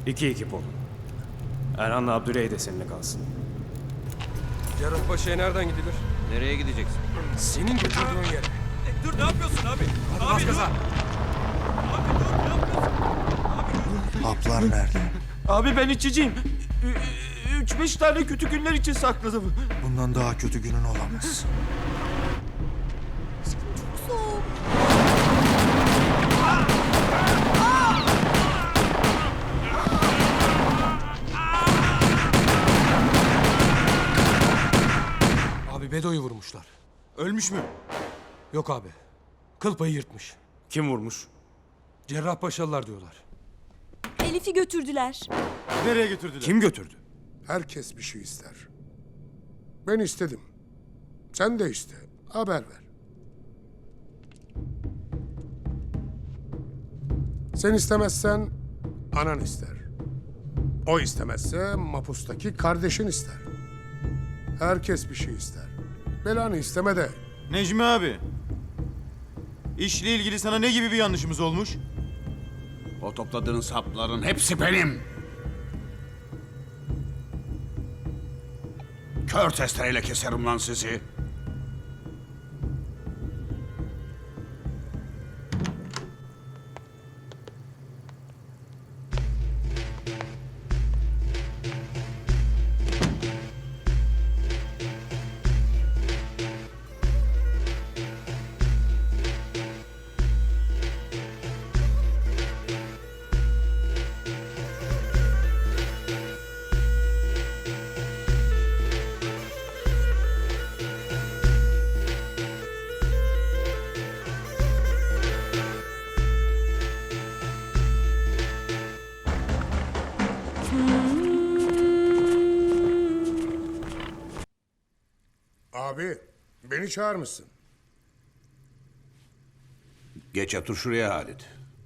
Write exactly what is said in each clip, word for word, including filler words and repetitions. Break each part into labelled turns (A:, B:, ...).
A: İki ekip olun. Erhan'la Abdüley de seninle kalsın.
B: Cerrahpaşa'ya nereden gidilir?
C: Nereye gideceksin?
B: Senin götürdüğün yere.
C: E, dur ne yapıyorsun abi?
B: Hadi bas gaza.
C: Abi dur ne yapıyorsun?
D: Haplar nerede?
E: Abi ben içiciyim. Ü- Üç beş tane kötü günler için sakladım.
D: Bundan daha kötü günün olamaz.
F: Soğuk.
B: Abi Bedo'yu vurmuşlar.
E: Ölmüş mü?
B: Yok abi. Kıl payı yırtmış.
A: Kim vurmuş?
B: Cerrahpaşalılar diyorlar.
F: Elif'i götürdüler.
E: Nereye götürdüler?
A: Kim götürdü?
G: Herkes bir şey ister. Ben istedim. Sen de iste. Haber ver. Sen istemezsen anan ister. O istemezse mapustaki kardeşin ister. Herkes bir şey ister. Belanı isteme de.
E: Necmi abi. İşle ilgili sana ne gibi bir yanlışımız olmuş?
C: O topladığın sapların hepsi benim. Kör testereyle keserim lan sizi.
G: Abi beni çağırmışsın.
C: Geç otur şuraya Halit.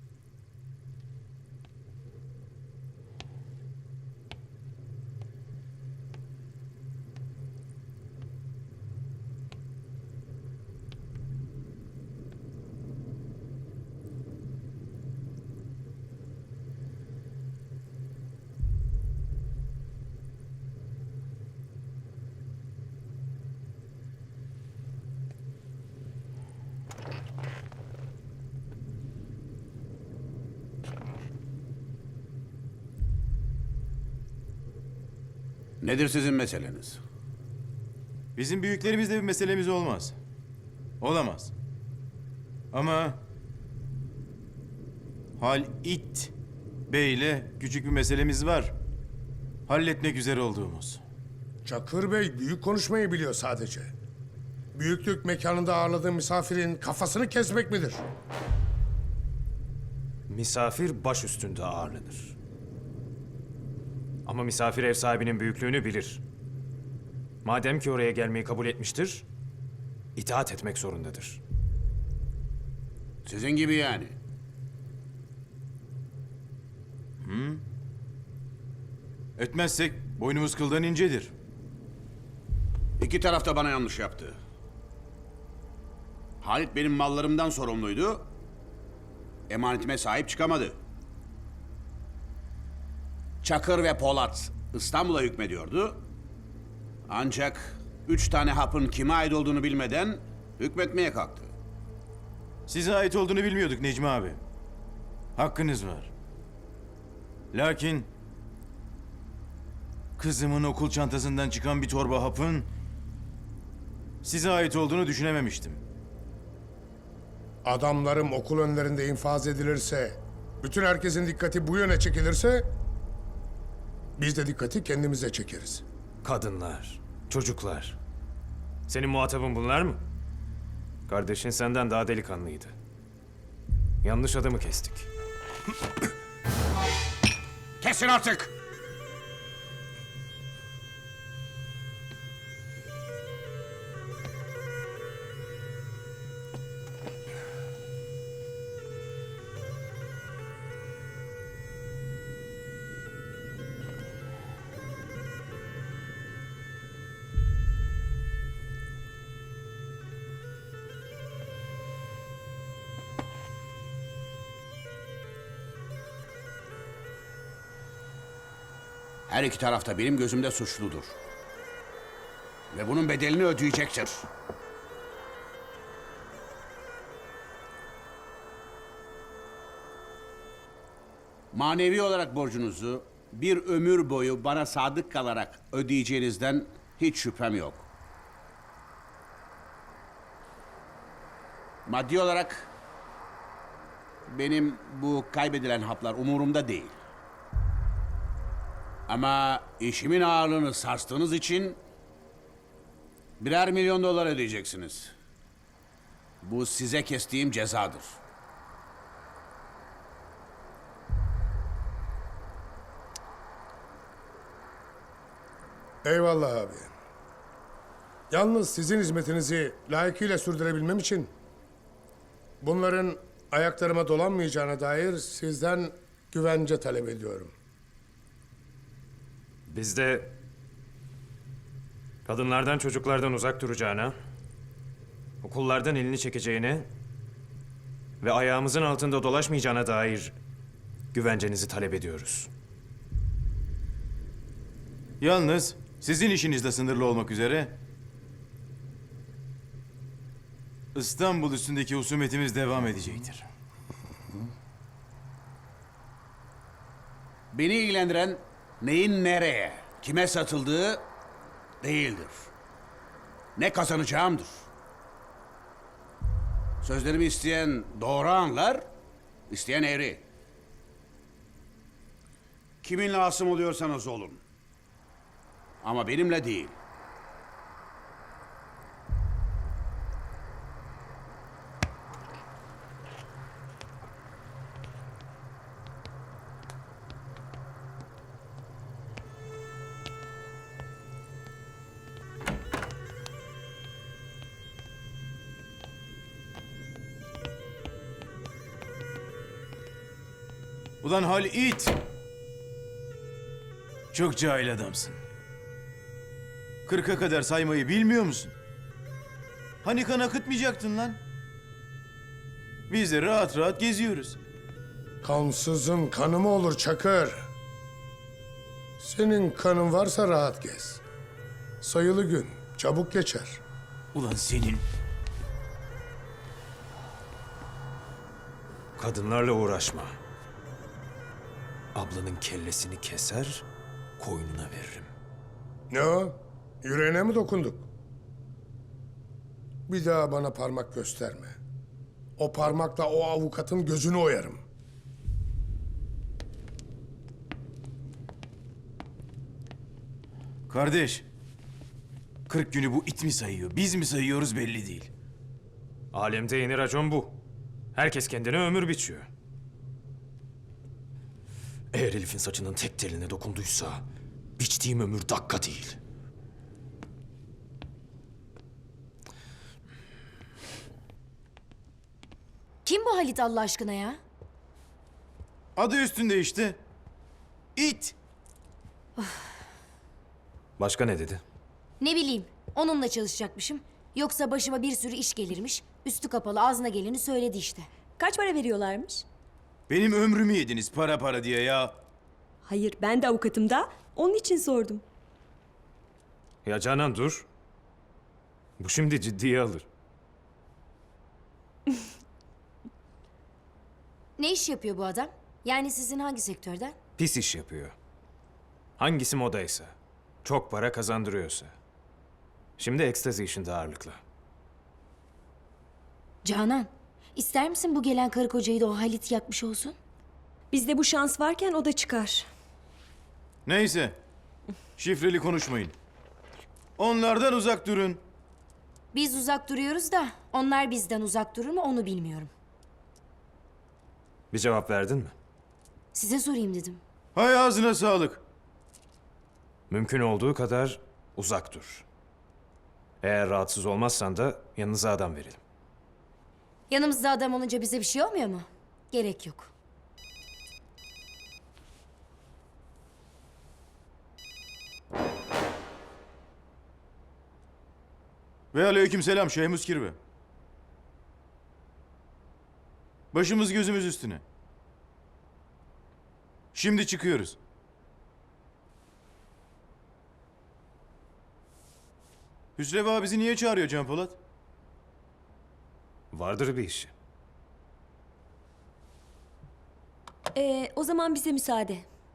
C: Nedir sizin meseleniz?
E: Bizim büyüklerimizle bir meselemiz olmaz. Olamaz. Ama Halit Bey'le küçük bir meselemiz var. Halletmek üzere olduğumuz.
G: Çakır Bey büyük konuşmayı biliyor sadece. Büyüklük mekanında ağırladığı misafirin kafasını kesmek midir?
A: Misafir baş üstünde ağırlanır. Ama misafir ev sahibinin büyüklüğünü bilir. Madem ki oraya gelmeyi kabul etmiştir, itaat etmek zorundadır.
C: Sizin gibi yani.
E: Etmezsek boynumuz kıldan incedir.
C: İki taraf da bana yanlış yaptı. Halit benim mallarımdan sorumluydu. Emanetime sahip çıkamadı. Çakır ve Polat İstanbul'a hükmediyordu. Ancak üç tane hapın kime ait olduğunu bilmeden hükmetmeye kalktı.
E: Size ait olduğunu bilmiyorduk Necmi abi. Hakkınız var. Lakin kızımın okul çantasından çıkan bir torba hapın size ait olduğunu düşünememiştim.
G: Adamlarım okul önlerinde infaz edilirse, bütün herkesin dikkati bu yöne çekilirse, biz de dikkati kendimize çekeriz.
A: Kadınlar, çocuklar. Senin muhatabın bunlar mı? Kardeşin senden daha delikanlıydı. Yanlış adamı kestik.
C: Kesin artık! Her iki taraf da benim gözümde suçludur. Ve bunun bedelini ödeyecektir. Manevi olarak borcunuzu bir ömür boyu bana sadık kalarak ödeyeceğinizden hiç şüphem yok. Maddi olarak benim bu kaybedilen haplar umurumda değil. Ama işimin ağırlığını sarstığınız için birer milyon dolar ödeyeceksiniz. Bu size kestiğim cezadır.
G: Eyvallah abi. Yalnız sizin hizmetinizi layıkıyla sürdürebilmem için bunların ayaklarıma dolanmayacağına dair sizden güvence talep ediyorum.
A: Biz de kadınlardan çocuklardan uzak duracağına, okullardan elini çekeceğine ve ayağımızın altında dolaşmayacağına dair güvencenizi talep ediyoruz.
E: Yalnız sizin işinizde sınırlı olmak üzere İstanbul üstündeki husumetimiz devam edecektir.
C: Beni ilgilendiren neyin nereye, kime satıldığı değildir. Ne kazanacağımdır. Sözlerimi isteyen doğru anlar, isteyen eğri. Kiminle asım oluyorsanız olun. Ama benimle değil.
E: Ulan Halit! Çok cahil adamsın. Kırka kadar saymayı bilmiyor musun? Hani kan akıtmayacaktın lan? Biz de rahat rahat geziyoruz.
G: Kansızın kanı mı olur Çakır? Senin kanın varsa rahat gez. Sayılı gün, çabuk geçer.
E: Ulan senin...
A: Kadınlarla uğraşma. Ablanın kellesini keser, koynuna veririm.
G: Ne o? Yüreğine mi dokunduk? Bir daha bana parmak gösterme. O parmakla o avukatın gözünü oyarım.
E: Kardeş, kırk günü bu it mi sayıyor, biz mi sayıyoruz belli değil.
A: Alemde yeni racon bu. Herkes kendine ömür biçiyor. Eğer Elif'in saçının tek teline dokunduysa biçtiğim ömür dakika değil.
H: Kim bu Halit Allah aşkına ya?
E: Adı üstünde işte. İt.
A: Başka ne dedi?
H: Ne bileyim, onunla çalışacakmışım. Yoksa başıma bir sürü iş gelirmiş. Üstü kapalı ağzına geleni söyledi işte.
F: Kaç para veriyorlarmış?
E: Benim ömrümü yediniz para para diye ya.
F: Hayır, ben de avukatım da. Onun için sordum.
A: Ya Canan dur. Bu şimdi ciddiye alır.
H: Ne iş yapıyor bu adam? Yani sizin hangi sektörden?
A: Pis iş yapıyor. Hangisi modaysa, çok para kazandırıyorsa. Şimdi ekstazi işinde ağırlıkla.
H: Canan, ister misin bu gelen karı kocayı da o Halit yakmış olsun?
F: Bizde bu şans varken o da çıkar.
E: Neyse. Şifreli konuşmayın. Onlardan uzak durun.
H: Biz uzak duruyoruz da onlar bizden uzak durur mu onu bilmiyorum.
A: Bir cevap verdin mi?
H: Size sorayım dedim.
E: Hay ağzına sağlık.
A: Mümkün olduğu kadar uzak dur. Eğer rahatsız olmazsan da yanınıza adam verelim.
H: Yanımızda adam olunca bize bir şey olmuyor mu? Gerek yok.
E: Ve aleykümselam Şeyh Muskirbe. Başımız gözümüz üstüne. Şimdi çıkıyoruz. Hüsrev ağa bizi niye çağırıyor Can Polat?
A: Vardır bir işi.
F: Ee, o zaman bize müsaade.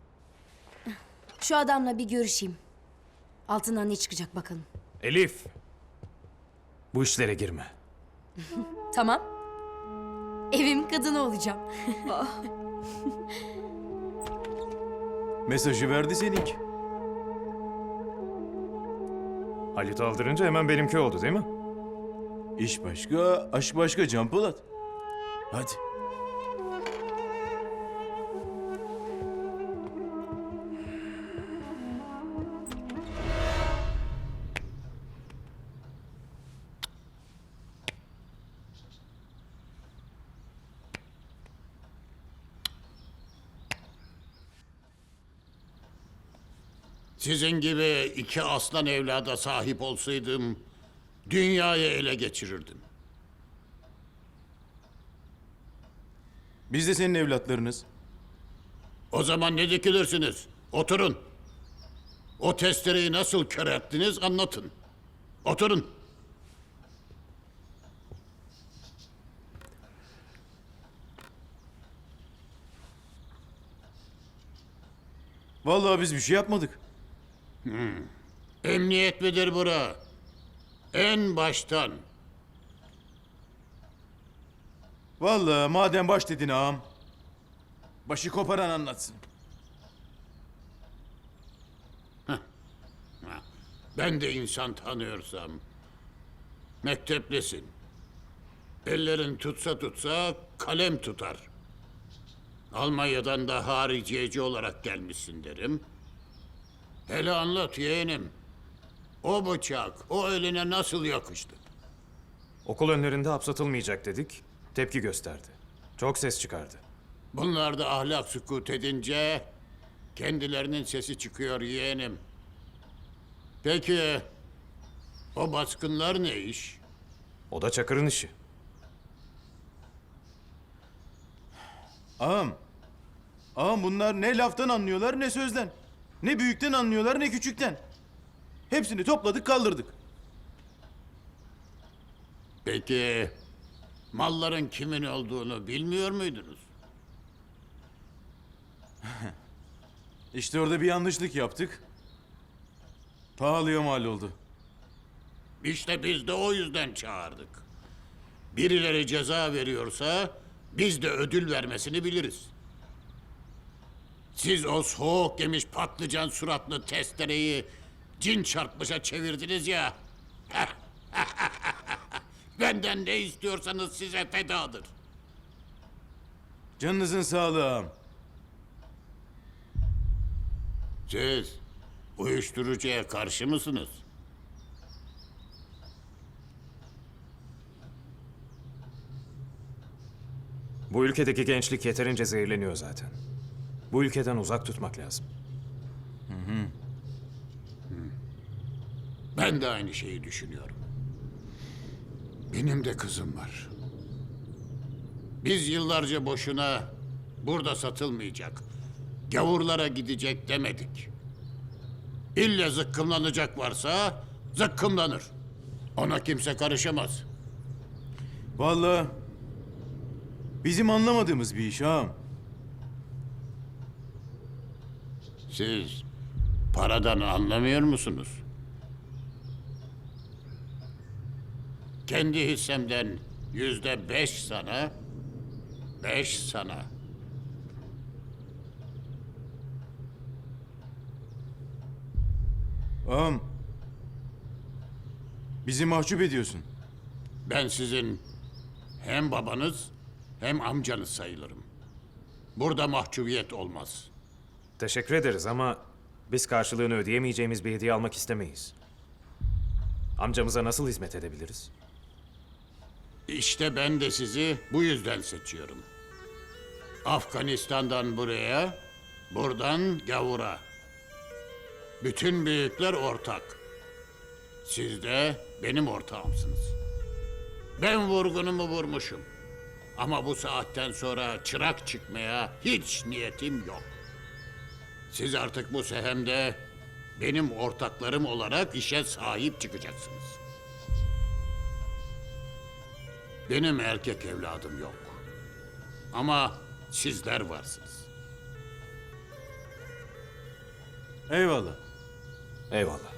H: Şu adamla bir görüşeyim. Altından ne çıkacak bakalım.
A: Elif! Bu işlere girme.
H: Tamam. Evim kadını olacağım.
E: Mesajı verdi seninki.
A: Halit aldırınca hemen benimki oldu değil mi?
E: İş başka, aşk başka Can Polat. Hadi.
I: Sizin gibi iki aslan evlada sahip olsaydım, dünyayı ele geçirirdim.
E: Biz de senin evlatlarınız.
I: O zaman ne dikilirsiniz? Oturun. O testereyi nasıl kör ettiniz anlatın. Oturun.
E: Vallahi biz bir şey yapmadık.
I: Emniyet midir bura? En baştan.
E: Vallahi madem baş dedin ağam. Başı koparan anlatsın.
I: Ben de insan tanıyorsam. Mekteplisin. Ellerin tutsa tutsa kalem tutar. Almanya'dan da hariciyeci olarak gelmişsin derim. Hele anlat yeğenim. O bıçak o eline nasıl yakıştı?
A: Okul önlerinde hapsatılmayacak dedik. Tepki gösterdi. Çok ses çıkardı.
I: Bunlar da ahlak sükut edince kendilerinin sesi çıkıyor yeğenim. Peki o baskınlar ne iş?
A: O da Çakır'ın işi.
E: Ağam. Ağam bunlar ne laftan anlıyorlar ne sözden. Ne büyükten anlıyorlar ne küçükten. Hepsini topladık kaldırdık.
I: Peki malların kimin olduğunu bilmiyor muydunuz?
E: İşte orada bir yanlışlık yaptık. Pahalıya mal oldu.
I: İşte biz de o yüzden çağırdık. Birileri ceza veriyorsa biz de ödül vermesini biliriz. Siz o soğuk yemiş patlıcan suratlı testereyi cin çarpmışa çevirdiniz ya. Benden ne istiyorsanız size fedadır.
E: Canınızın sağlığı ağam.
I: Siz uyuşturucuya karşı mısınız?
A: Bu ülkedeki gençlik yeterince zehirleniyor zaten. Bu ülkeden uzak tutmak lazım.
I: Ben de aynı şeyi düşünüyorum. Benim de kızım var. Biz yıllarca boşuna burada satılmayacak, gavurlara gidecek demedik. İlle zıkkımlanacak varsa zıkkımlanır. Ona kimse karışamaz.
E: Vallahi bizim anlamadığımız bir iş ağam.
I: Siz paradan anlamıyor musunuz? Kendi hissemden yüzde beş sana, beş sana.
E: Ağam. Bizi mahcup ediyorsun.
I: Ben sizin hem babanız hem amcanız sayılırım. Burada mahcubiyet olmaz.
A: Teşekkür ederiz ama biz karşılığını ödeyemeyeceğimiz bir hediye almak istemeyiz. Amcamıza nasıl hizmet edebiliriz?
I: İşte ben de sizi bu yüzden seçiyorum. Afganistan'dan buraya, buradan gavura. Bütün büyükler ortak. Siz de benim ortağımsınız. Ben vurgunumu vurmuşum. Ama bu saatten sonra çırak çıkmaya hiç niyetim yok. Siz artık bu sehemde benim ortaklarım olarak işe sahip çıkacaksınız. Benim erkek evladım yok. Ama sizler varsınız.
E: Eyvallah.
A: Eyvallah.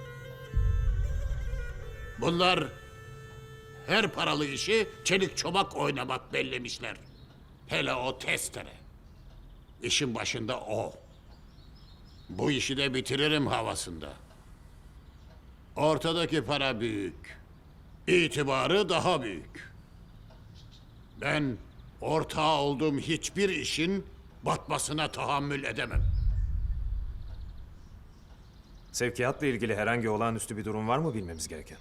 I: Bunlar her paralı işi çelik çomak oynamak bellemişler. Hele o testere. İşin başında o. Bu işi de bitiririm havasında. Ortadaki para büyük. İtibarı daha büyük. Ben ortağı olduğum hiçbir işin batmasına tahammül edemem.
A: Sevkiyatla ilgili herhangi olağanüstü bir durum var mı bilmemiz gereken?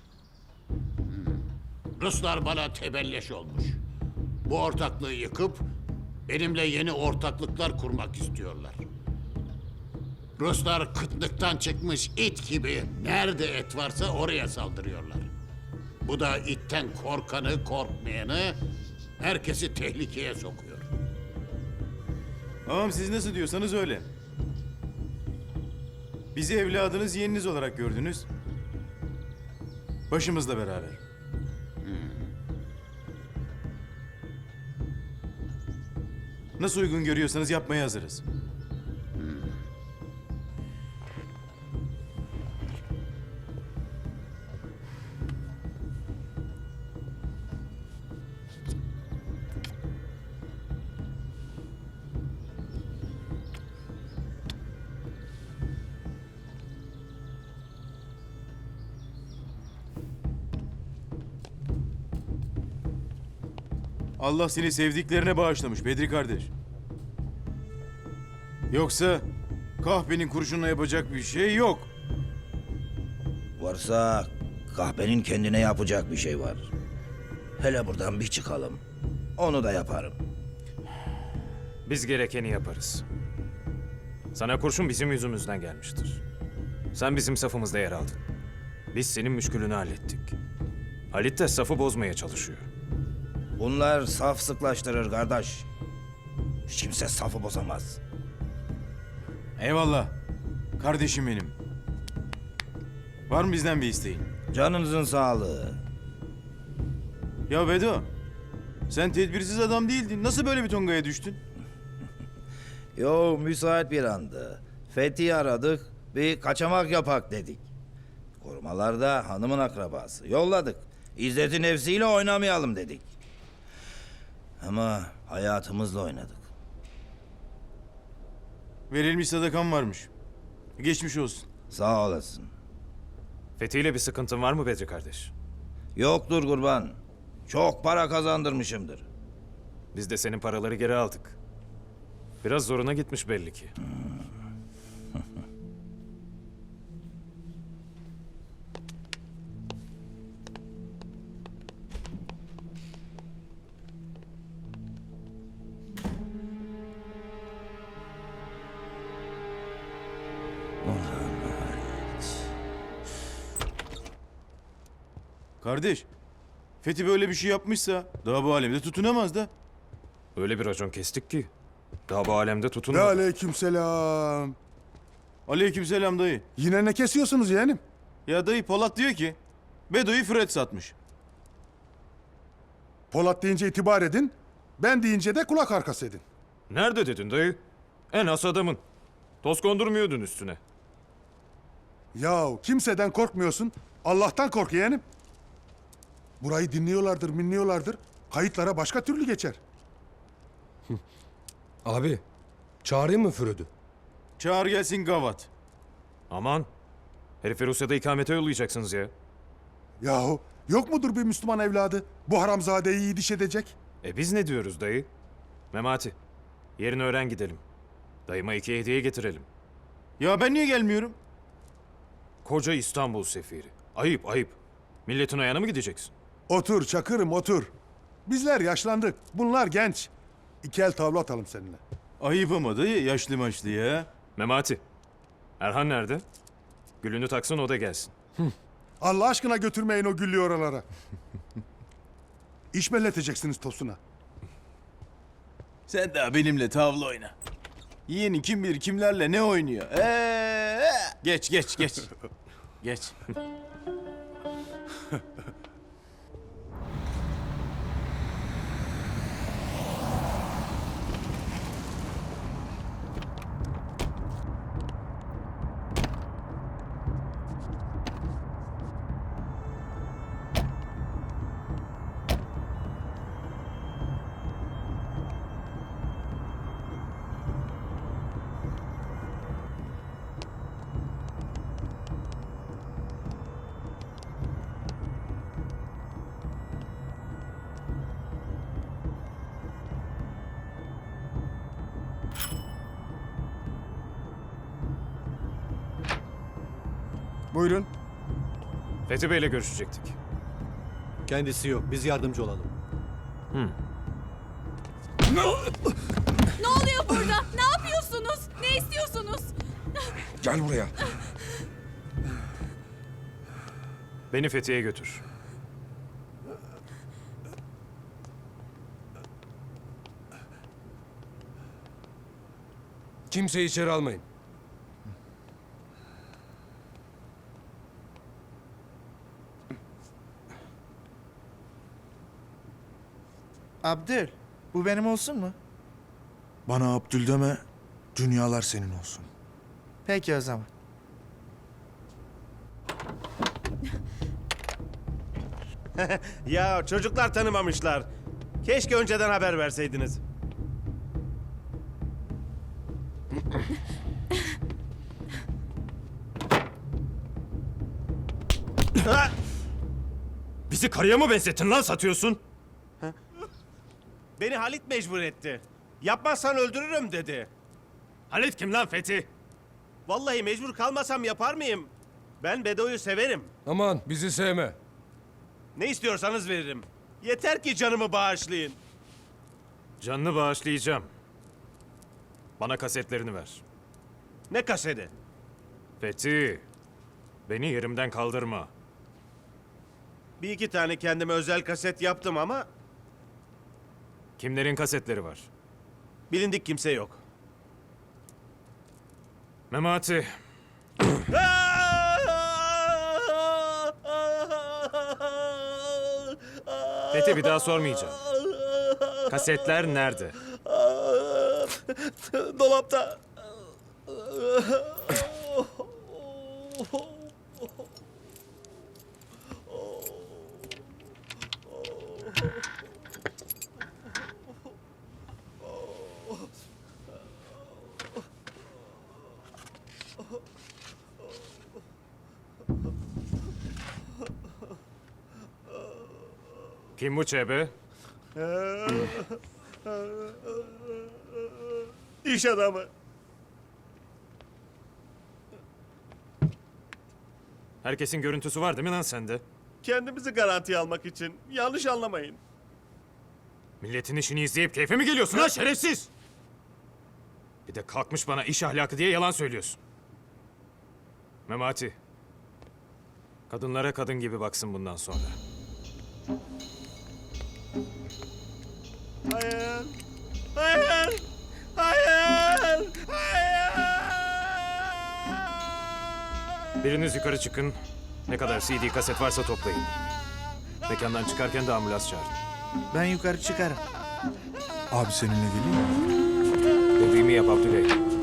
I: Ruslar bana tebelleş olmuş. Bu ortaklığı yıkıp benimle yeni ortaklıklar kurmak istiyorlar. Ruslar kıtlıktan çıkmış it gibi nerede et varsa oraya saldırıyorlar. Bu da itten korkanı, korkmayanı, herkesi tehlikeye sokuyor.
E: Ağam siz nasıl diyorsanız öyle. Bizi evladınız, yeğeniniz olarak gördünüz. Başımızla beraber. Nasıl uygun görüyorsanız yapmaya hazırız. Allah seni sevdiklerine bağışlamış Bedri kardeş. Yoksa kahvenin kurşunla yapacak bir şey yok.
J: Varsa kahvenin kendine yapacak bir şey var. Hele buradan bir çıkalım. Onu da yaparım.
A: Biz gerekeni yaparız. Sana kurşun bizim yüzümüzden gelmiştir. Sen bizim safımızda yer aldın. Biz senin müşkülünü hallettik. Halit de safı bozmaya çalışıyor.
J: Bunlar saf sıklaştırır kardeş. Hiç kimse safı bozamaz.
E: Eyvallah. Kardeşim benim. Var mı bizden bir isteğin?
J: Canınızın sağlığı.
E: Ya Bedo, sen tedbirsiz adam değildin. Nasıl böyle bir tongaya düştün?
J: Yo, müsait bir andı. Fethi aradık, bir kaçamak yapak dedik. Korumalarda hanımın akrabası. Yolladık. İzzeti nefsiyle oynamayalım dedik. Ama hayatımızla oynadık.
E: Verilmiş sadakan varmış. Geçmiş olsun.
J: Sağ olasın.
A: Fethi'yle bir sıkıntın var mı Bedri kardeş?
J: Yoktur kurban. Çok para kazandırmışımdır.
A: Biz de senin paraları geri aldık. Biraz zoruna gitmiş belli ki.
E: Kardeş, Fethi böyle bir şey yapmışsa daha bu alemde tutunamaz da.
A: Öyle bir racon kestik ki. Daha bu alemde
G: Ve
A: tutunmadı.
G: aleykümselam.
E: Aleykümselam dayı.
G: Yine ne kesiyorsunuz yeğenim?
E: Ya dayı Polat diyor ki Bedo'yu Fred satmış.
G: Polat deyince itibar edin. Ben deyince de kulak arkası edin.
A: Nerede dedin dayı? En has adamın. Toz kondurmuyordun üstüne.
G: Yahu kimseden korkmuyorsun. Allah'tan kork yeğenim. Burayı dinliyorlardır, minliyorlardır. Kayıtlara başka türlü geçer.
B: Abi, çağırayım mı Füröd'ü?
E: Çağır gelsin gavat.
A: Aman. Herifi Rusya'da ikamete yollayacaksınız ya.
G: Yahu yok mudur bir Müslüman evladı? Bu haramzadeyi iyi diş edecek.
A: E biz ne diyoruz dayı? Memati. Yerini öğren gidelim. Dayıma iki hediye getirelim.
E: Ya ben niye gelmiyorum?
A: Koca İstanbul sefiri. Ayıp ayıp. Milletin ayağına mı gideceksin?
G: Otur Çakır'ım otur. Bizler yaşlandık. Bunlar genç. İki el tavla atalım seninle.
E: Ayıp ama dayı yaşlı maçlı ya.
A: Memati. Erhan nerede? Gülünü taksın o da gelsin.
G: Allah aşkına götürmeyin o güllü oralara. İş belleteceksiniz Tosun'a.
E: Sen daha benimle tavla oyna. Yeğeni kim bilir kimlerle ne oynuyor. Ee, Geç, geç, geç. Geç.
D: Buyurun.
A: Fethi Bey'le görüşecektik.
D: Kendisi yok. Biz yardımcı olalım.
F: Ne oluyor burada? Ne yapıyorsunuz? Ne istiyorsunuz?
B: Gel buraya.
A: Beni Fethiye'ye götür.
B: Kimseyi içeri almayın.
D: Abdül, bu benim olsun mu? Bana Abdül deme, dünyalar senin olsun. Peki o zaman.
K: Ya çocuklar tanımamışlar. Keşke önceden haber verseydiniz. Ha!
A: Bizi karıya mı benzettin lan satıyorsun?
K: Beni Halit mecbur etti. Yapmazsan öldürürüm dedi.
A: Halit kim lan Fethi?
K: Vallahi mecbur kalmasam yapar mıyım? Ben Bedo'yu severim.
B: Aman bizi sevme.
K: Ne istiyorsanız veririm. Yeter ki canımı bağışlayın.
A: Canını bağışlayacağım. Bana kasetlerini ver.
K: Ne kaseti?
A: Fethi, beni yerimden kaldırma.
K: Bir iki tane kendime özel kaset yaptım ama
A: Kimlerin kasetleri var?
K: bilindik kimse yok.
A: Memati, Fethi bir daha sormayacağım. Kasetler nerede?
K: Dolapta.
A: Kim bu çebe?
K: İş adamı.
A: Herkesin görüntüsü var değil mi lan sende?
K: Kendimizi garantiye almak için. Yanlış anlamayın.
A: Milletin işini izleyip keyfe mi geliyorsun lan şerefsiz? Bir de kalkmış bana iş ahlakı diye yalan söylüyorsun. Memati, kadınlara kadın gibi baksın bundan sonra.
K: Hayır. Hayır. Hayır. Hayır.
A: Biriniz yukarı çıkın. Ne kadar C D kaset varsa toplayın. Mekandan çıkarken de ambulans çağırın.
D: Ben yukarı çıkarım. Abi seninle geleyim mi?
A: Dediğimi yap Abdüley.